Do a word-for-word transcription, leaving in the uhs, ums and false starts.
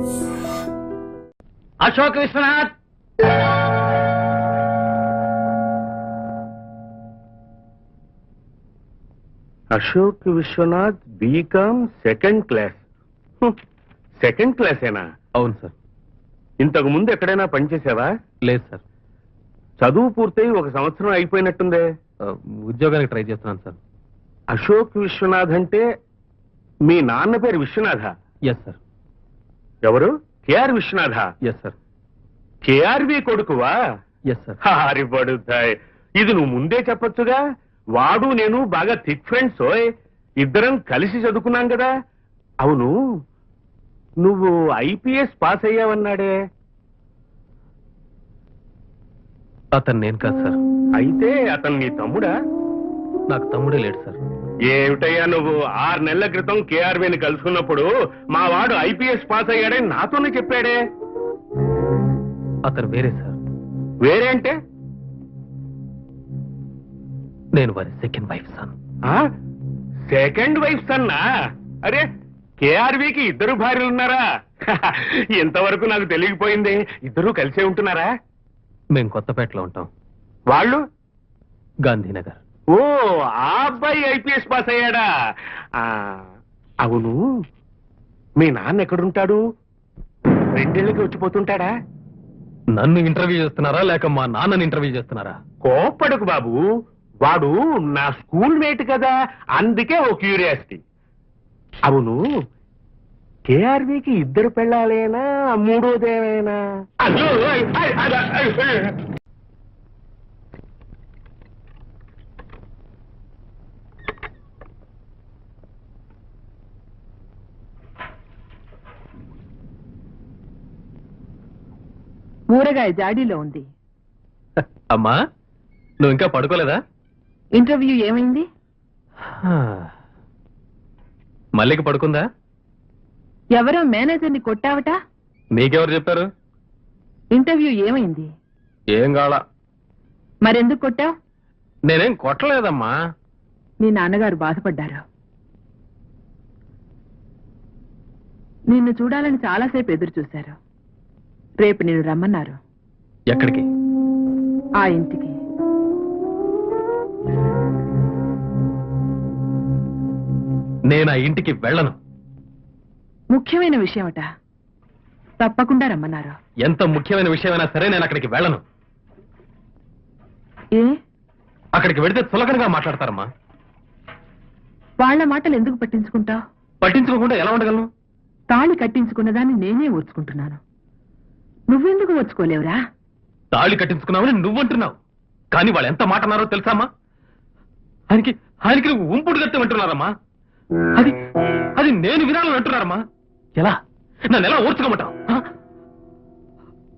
Ashok Vishwanath, Ashok Vishwanath BCom second class. Second క్లాసేనా? అవును sir. ఇంతకు ముందు ఎక్కడైనా పనిచేసావా? లేదు సార్. చదువు పూర్తయి ఒక సంవత్సరం అయిపోయినట్టుందే. ఉద్యోగానికి ట్రై చేస్తున్నాను సార్. అశోక్ విశ్వనాథ్ అంటే మీ నాన్న పేరు విశ్వనాథ? Yes sir. ఎవరు? KR Vishwanatha? Yes sir. KRV కొడుకువా? Yes sir. హారిపడుతాయి. ఇది నువ్వు ముందే చెప్పొచ్చుగా. వాడు నేను బాగా థిక్ ఫ్రెండ్స్. ఓయ్, ఇద్దరం కలిసి చదువుకున్నాం కదా. అవును, నువ్వు ఐపీఎస్ పాస్ అయ్యావన్నాడే, అతను నేను కాదు సార్. అయితే అతను నీ తమ్ముడా? నాకు తమ్ముడే లేడు సార్. ఏమిటయ్యా నువ్వు? ఆరు నెలల క్రితం కేఆర్వీని కలుసుకున్నప్పుడు మా వాడు ఐపీఎస్ పాస్ అయ్యాడని నాతోనే చెప్పాడే. అతను వేరే సార్. వేరే అంటే? నేను వారి second wife son. Second wife సన్నా? అరే, కేఆర్వీకి ఇద్దరు భార్యలు ఉన్నారా? ఇంతవరకు నాకు తెలియకపోయింది. ఇద్దరు కలిసే ఉంటున్నారా? మేము కొత్తపేటలో ఉంటాం. వాళ్ళు? గాంధీనగర్. ఓ, ఆ అబ్బాయి ఐపీఎస్ పాస్ అయ్యాడా? అవును, మీ నాన్న ఎక్కడుంటాడు? రెండేళ్ళకి వచ్చిపోతుంటాడా? నన్ను ఇంటర్వ్యూ చేస్తున్నారా లేక మా నాన్నని ఇంటర్వ్యూ చేస్తున్నారా? కోప్పడకు బాబు, వాడు నా స్కూల్ మేట్ కదా, అందుకే ఓ క్యూరియాసిటీ. అవును, కేఆర్వీకి ఇద్దరు పెళ్ళాలేనా, మూడోదేమైనా? ఊరగాయ జాడీలో ఉంది. అమ్మా, నువ్వు ఇంకా పడుకోలేదా? ఇంటర్వ్యూ ఏమైంది? మల్లికి పడుకుందా? ఎవరో మేనేజర్ని కొట్టావట? నీకెవరు చెప్పారు? ఇంటర్వ్యూ ఏమైంది? ఏం కావాలా? మరెందుకు కొట్టావు? నేనేం కొట్టలేదమ్మా. నీ నాన్నగారు బాధపడ్డారు. నిన్ను చూడాలని చాలాసేపు ఎదురు చూశారు. రేపు నిన్ను రమ్మన్నారు. ఎక్కడికి? ఆ ఇంటికి. నేను ఆ ఇంటికి వెళ్ళను. ముఖ్యమైన విషయమట, తప్పకుండా రమ్మన్నారు. ఎంత ముఖ్యమైన విషయమైనా సరే నేను అక్కడికి వెళ్ళను. ఏ? అక్కడికి వెళితే చులకనగా మాట్లాడతారమ్మా. వాళ్ల మాటలు ఎందుకు పట్టించుకుంటావు? పట్టించుకోకుండా ఎలా ఉండగలను? తాళి కట్టించుకున్నదాన్ని నేనే ఓర్చుకుంటున్నాను. నువ్వెందుకు ఓర్చుకోలేవురా? తాళి కట్టించుకున్నావని నువ్వంటున్నావు, కానీ వాళ్ళు ఎంత మాట అన్నారో తెలుసామా? ఆయనకి ఆయనకి నువ్వు ఉంపుడు గత్తే అంటున్నారమ్మా. అది అది నేను వినాలని అంటున్నారమ్మా. ఎలా? నన్ను ఎలా ఓర్చుకోమంటావు?